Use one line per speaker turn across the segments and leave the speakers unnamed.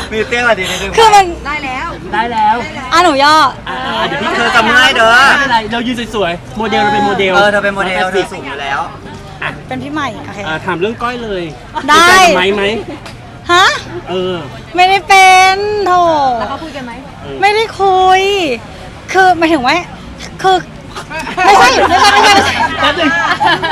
มีเตี้ยกว่าดีนิดนึง
คือมัน
ได้แล้ว
ได้แล้ว
หนูย่อ
เดี๋ยวพี่
เธอจำง่ายเด้อ
ไม่เป็นไรเรายืนสวยๆโมเดลเราเป็นโมเดล
เธอเป็นโมเดลเธอสูงอยู่แล้ว
เป็นพี่ใหม่โอเค
ถามเรื่องก้อยเลย
ได้
คุยกันกับไม้ไหม
ฮะ
เออ
ไม่ได้เป็นโถ
แล้วเขาคุยกันไหม
ไม่ได้คุย คือหมายถึงว่าคือไม่ใช่
แป๊บนึง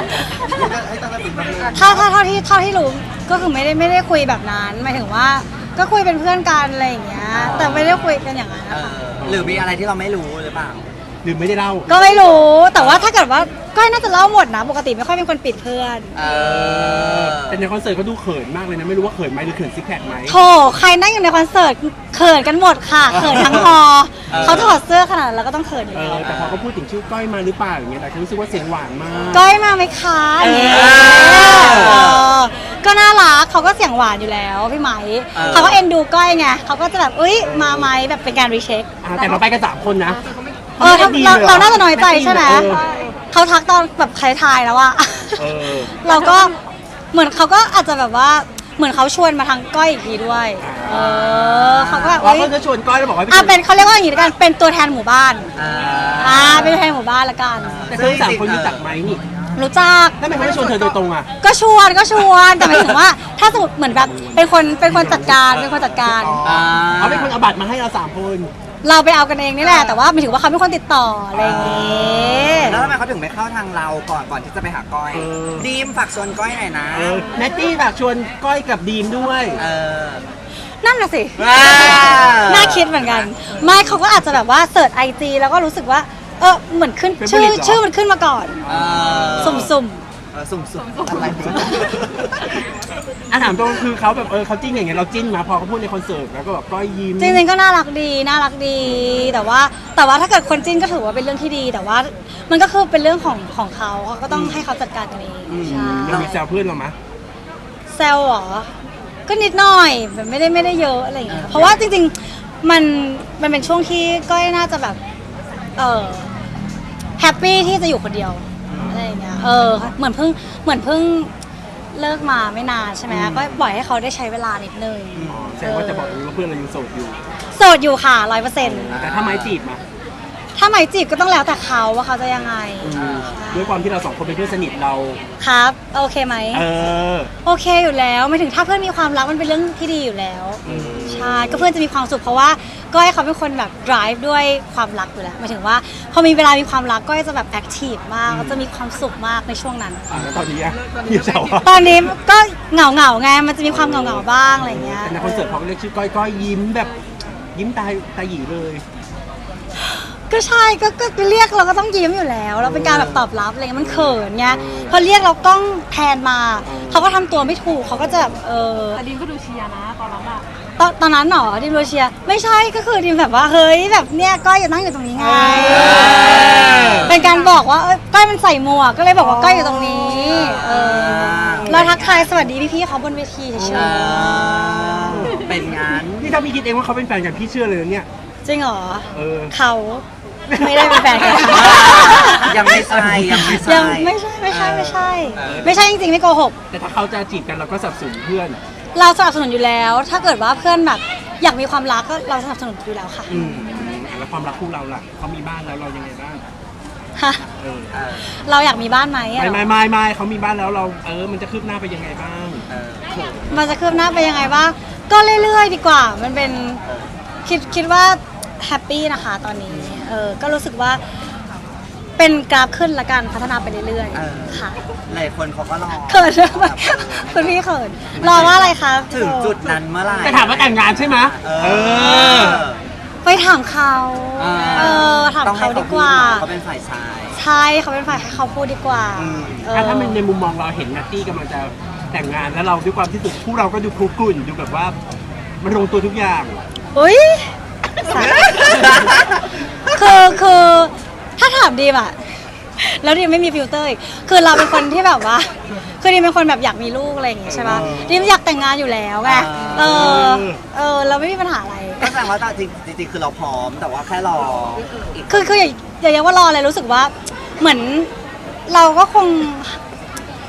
ถ้าเท่าที่รู้ก็คือไม่ได้คุยแบบนั้นหมายถึงว่าก็คุยเป็นเพื่อนกันอะไรอย่างเงี้ยแต่ไม่ได้คุยกันอย่างนั้นนะคะ
หรือมีอะไรที่เราไม่รู้หรือเปล่า
หรือไม่ได้เล่า
ก็ไม่รู้แต่ว่าถ้าเกิดว่าก้อยน่าจะเล่าหมดนะปกติไม่ค่อยเป็นคนปิดเพื่อน
แต่ในคอนเสิร์ตเขาดูเขินมากเลยนะ ไม่รู้ว่าเขินไหมหรือเขินซิกแพคไหม
โถใครนั่งอยู่ในคอนเสิร์ตเขินกันหมดค่ะเขินทั้งฮอเขาถอดเสื้อขนาดนั้นแล้วก็ต้องเขินอยู่แล้ว
แต่พอเขาพูดถึงชื่อก้อยมาหรือเปล่าอย่างเงี้ยแต่เขารู้สึกว่าเสียงหวานมาก
ก้อยมาไหมคะอย่างเงี้ยก็น่ารักเขาก็เสียงหวานอยู่แล้วพี่ไหมเขาก็เอ็นดูก้อยไงเขาก็จะแบบมาไหมแบบเป็นการรีเช็ค
แต่เราไปกัน3 คนนะ
เราน่าจะน้อยใจใช่ไหมเขาทักตอนแบบใครทายแล้วอะเราก็เหมือนเขาก็อาจจะแบบว่าเหมือนเขาชวนมาทางก้อยอีกทีด้วยเขาก็แบบ
เขาจะชวนก้อยแล้วบอกว่า
เป็นเขาเรียกว่าอย่างนี้ละกันเป็นตัวแทนหมู่บ้านเป็นตัวแทนหมู่บ้านละกัน
แต่ทั้ง3 คนรู้จักไหมนี่
รู้จัก
ทำไมเขาไม่ชวนเธอโดยตรงอ่ะ
ก็ชวนแต่หมายถึงว่าถ้าสมมติเหมือนแบบเป็นคนจัดการเขาเป็น
คนเอาบัตรมาให้เรา3 คน
เราไปเอากันเองนี่แหละแต่ว่าหมายถึงว่าเขาเป็นคนติดต่ออะไรอย่างเงี้ย
แล้วทำไมเขาถึงไม่เข้าทางเราก่อนที่จะไปหาก้อยดีมฝากชวนก้อยหน่อยนะ
แนตตี้แบบชวนก้อยกับดีมด้วย
นั่นน่ะสิน่าคิดเหมือนกันไม่เขาก็อาจจะแบบว่าเสิร์ชIGแล้วก็รู้สึกว่าเหมือนขึ้นชื่อมันขึ้นมาก่อนสุ่ม
สุ่มอะไร
ถามตรงคือเขาแบบเขาจิ้นอย่างเงี้ยเราจิ้นมาพอเขาพูดในคอนเสิร์ตแล้วก็แบบก้อยยิ้ม
จริงๆก็น่ารักดีแต่ว่าถ้าเกิดคนจิ้นก็ถือว่าเป็นเรื่องที่ดีแต่ว่ามันก็คือเป็นเรื่องของเขาก็ต้องให้เขาจัดการกันเองใช่
เรามีแซวเพื่อนเราไหม
แซวเหรอก็นิดหน่อยแบบไม่ได้เยอะอะไรอย่างเงี้ยเพราะว่าจริงๆมันเป็นช่วงที่ก้อยน่าจะแบบแฮปปี้ที่จะอยู่คนเดียวอะไรอย่างเงี้ยเหมือนเพิ่งเลิกมาไม่นานใช่ไหมก็ปล่อยให้เขาได้ใช้เวลานิดนึง
แสดงว่าจะบอกว่าเพื่อนเรายังโสดอยู่
ค่ะ100%
แต่ถ้าไม้จีบมา
ถ้าหมายจีบก็ต้องแล้วแต่เขาว่าเขาจะยังไง
ด้วยความที่เรา2 คนเป็นเพื่อนสนิทเรา
ครับโอเคไหมโอเคอยู่แล้วไม่ถึงถ้าเพื่อนมีความรักมันเป็นเรื่องที่ดีอยู่แล้วใช่ก็เพื่อนจะมีความสุขเพราะว่าก้อยเขาเป็นคนแบบ drive ด้วยความรักอยู่แล้วหมายถึงว่าพอมีเวลามีความรักก้อยจะแบบ active มากจะมีความสุขมากในช่วงนั้น
แล้วตอนนี้พี่เฉา
ตอนนี้ก็เหงาไงมันจะมีความเหงาบ้างอะไรเงี้ย
ในคอนเสิร์ตเขาเรียกชื่อก้อยยิ้มแบบยิ้มตาหยีเลย
ก็ใช่ก็เรียกเราก็ต้องยิ้มอยู่แล้วเราเป็นการแบบตอบรับอะไรเงี้ยมันเขินไงพอเรียกเรากล้องแทนมาเขาก็ทำตัวไม่ถูกเขาก็จะแบบ
แต่ดิมก็ดูเชียร์นะตอนนั้นอะ
ตอนนั้นหรอดิมดูเชียร์ไม่ใช่ก็คือดิมแบบว่าเฮ้ยแบบเนี้ยก้อยอยู่นั่งอยู่ตรงนี้ไงเป็นการบอกว่าก้อยมันใส่หมวกก็เลยบอกว่าก้อยอยู่ตรงนี้เราทักทายสวัสดีพี่ๆเขาบนเวทีเฉย
ๆเป็นงาน
นี่ถ้าพี่คิดเองว่าเขาเป็นแฟนกันพี่เชื่อเลยเนี่ย
จริงเหรอเขาไม่ได้เป็นแฟนกัน
ยังไม่ใช่
ไม่ใช่จริงๆไม่โกหก
แต่ถ้าเขาจะจีบกันเราก็สนับสนุนเพื่อน
เราสนับสนุนอยู่แล้วถ้าเกิดว่าเพื่อนแบบอยากมีความรักก็เราสนับสนุนอยู่แล้วค่ะ
แล้วความรักคู่เราล่ะเขามีบ้านแล้วเรายังไงบ้าง
ฮะเราอยากมีบ้านไหม
ไม่เขามีบ้านแล้วเรามันจะคืบหน้าไปยังไงบ้าง
มันจะคืบหน้าไปยังไงบ้างก็เรื่อยๆดีกว่ามันเป็นคิดว่าแฮปปี้นะคะตอนนี้ก็รู้สึกว่าเป็นกราฟขึ้นละกันพัฒนาไปเรื่อยๆค่ะ
หลายคนเขาก็รอ
เขินคุณพี่เขินรอว่าอะไรคะ
ถึงจุดนั้นเมื่อไหร่
จะถามว่าแต่งงานใช่ไหม
ไปถามเขาถามเขาดีกว่า
เขาเป็นฝ่ายชาย
ใช่เขาเป็นฝ่ายให้เขาพูดดีกว่า
ถ้ามันในมุมมองเราเห็นนัตตี้กำลังจะแต่งงานแล้วเราด้วยความที่สุดคู่เราก็ดูคลุกกลุ่นดูแบบว่ามันลงตัวทุกอย่าง
อุ้ยคือถ้าถามดีมอะแล้วดีมไม่มีฟิลเตอร์อีกคือเราเป็นคนที่แบบว่าคือดีมเป็นคนแบบอยากมีลูกอะไรอย่างงี้ใช่ปะดีมอยากแต่งงานอยู่แล้วไงเราไม่มีปัญหาอะไร
ก็แสดงว่าจริงๆคือเราพร้อมแต่ว่าแค่รอ
คืออย่าเรียกว่ารอเลยรู้สึกว่าเหมือนเราก็คง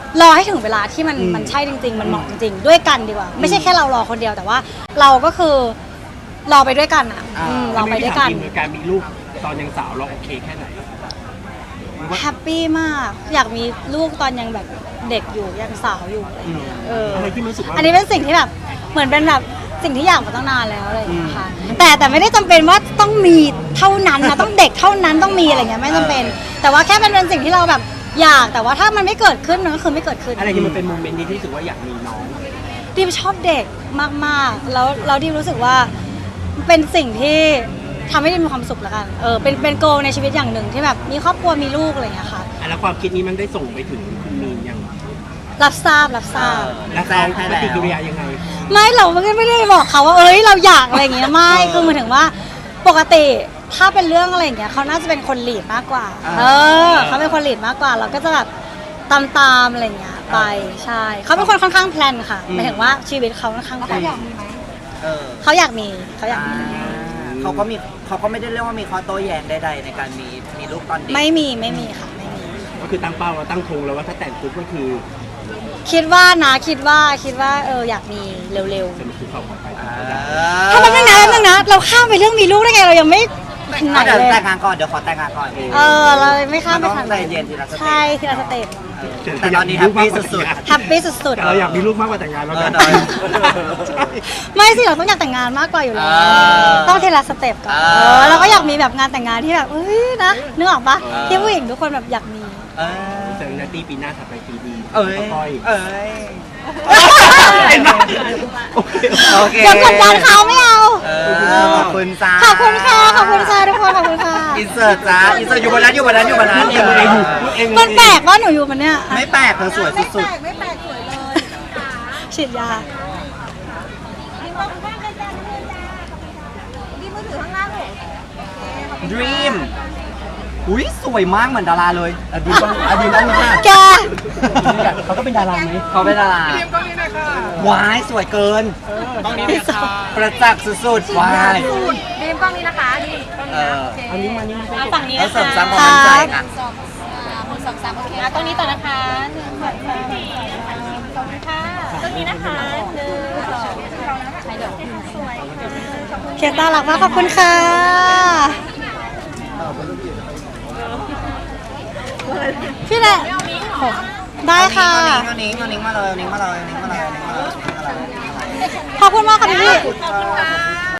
รอให้ถึงเวลาที่มันใช่จริง ๆ มันเหมาะจริง ๆ ด้วยกันดีกว่า ไม่ใช่แค่เรารอคนเดียวแต่ว่าเราก็คือรอไปด้วยกันอ่ะรอไปด้วยกัน
การมีลูกตอนยังสาวเราโอเคแค่ไหน
แฮปปี้มากอยากมีลูกตอนยังแบบเด็กอยู่ยังสาวอยู่อะไรอย่างเงี้ย
อะไรที่มันรู้สึกว่า
อันนี้เป็นสิ่งที่แบบเหมือนเป็นแบบสิ่งที่อยากมาตั้งนานแล้วอะไรอย่างเงี้ยค่ะแต่ไม่ได้จำเป็นว่าต้องมีเท่านั้นนะต้องเด็กเท่านั้นต้องมีอะไรเงี้ยไม่จำเป็น แต่ว่าแค่เป็นสิ่งที่เราแบบอยากแต่ว่าถ้ามันไม่เกิดขึ้นมันก็คือไม่เกิดขึ้น
อะไรที่มันเป็นโมเมนต์นี้ที่รู้สึกว่าอยากมีน้อง
ดิมชอบเด็กมากๆแล้วดิมรู้สึกว่าเป็นสิ่งที่ทำให้ดิมมีความสุขแล้วกันเป็นโกในชีวิตอย่างหนึ่งที่แบบมีครอบครัวมีลูกอะไรอย่างเงี้ยค่ะ
แล้วความคิดนี้มันได้ส่งไปถึงคุณมีนยัง
รับทราบ
แล้วเขาปฏิกิริยายังไง
ไม่เราไม่ได้บอกเขาว่าเราอยากอะไรอย่างเงี้ยไม่คือหมายถึงว่าปกติถ้าเป็นเรื่องอะไรอย่างเงี้ยเขาน่าจะเป็นคนลีดมากกว่าเขาเป็นคนลีดมากกว่าเราก็จะแบบตามอะไรอย่างเงี้ยไปใช่เขาเป็นคนค่อนข้างแพลนค่ะหมายถึงว่าชีวิตเขาค่อนข้างแพลนเขาอยากมี
เขาก็ไม่ได้เรียกว่ามีข้อโต้แย้งใดๆในการมีลูกตอนเด็ก
ไม่มีค่ะไม่มี
ก็คือตั้งเป้าแล้วตั้งธงแล้วว่าถ้าแต่งปุ๊บก็คือ
คิดว่าอยากมีเร็ว
จะมีคือเขาออกไป
ๆถ้าแป๊บนึงนะเราข้ามไปเรื่องมีลูกได้ไงเรายังไม่ถึงไหน
เดี๋ยว
เลย
แต่งงานก่อนเดี๋ยวขอแต่งงานก่อน
เราไม่ข้ามไป
มันต้
ทา
อง งใจเย็นทีละสเต็ป
ใช่ทีละสเต็ป
แต่ตอนนี้แฮปปี้สุด
แฮปปี้สุด
เราอยากมีลูกมากกว่าแต่งงานแล้วกัน
ๆไม่สิเราต้องอยากแต่งงานมากกว่าอยู่แล้วต้องทีละสเต็ปก่อนเราก็อยากมีแบบงานแต่งงานที่แบบนะนึกออกปะที่ผู้หญิงทุกคนแบบอยากมี
แต่นาตีปีหน้าถัดไปปีดี
เอ้ย
ก้อย
เอ้ย
โอเค
เดี๋ยวกดดันเขาไม่เอา
ขอบคุณจ้า
ขอบคุณค่ะทุกคนขอบคุณค่ะ
อินเสิร์ตจ้าอินเสิร์ตอยู่บนนั้น
มันแปลกว่าหนูอยู่มันเนี่ย
ไม่แปลกเธอสวยสุด
ไม่แปลกสวยเลย
ฉีดยา
ดีมากคุณบ้านเลยจ้าดีมือถือข้างล่างเลย
ๆ Dream อุ้ยสวยมากเหมือนดาราเลยอดีตต้องค่ะ
แก
เขาก็เป็นดาราไหม
เขาเป็นดาราว้ายสวยเกินต้องนี้ประจักษ์สุดๆว้าย
ดีมกล้องนี้นะคะดีมกล้องนี้นะโอเค
อันนี้มานี่
เอาฝั่งนี้
แล้ว
นะ
เสริม
คะ
สร้างความมั่นใจค่ะ
1 2 3โอเค
ตรงนี้ต่อนะคะขอบคุณค่ะตรงนี้นะคะเขียนตาหลักมากขอบคุณค่ะพี่แหละได้ค่ะ
เอานิ้งมาเลย
ขอบคุณมากค่ะพี่
ขอบคุณค่ะ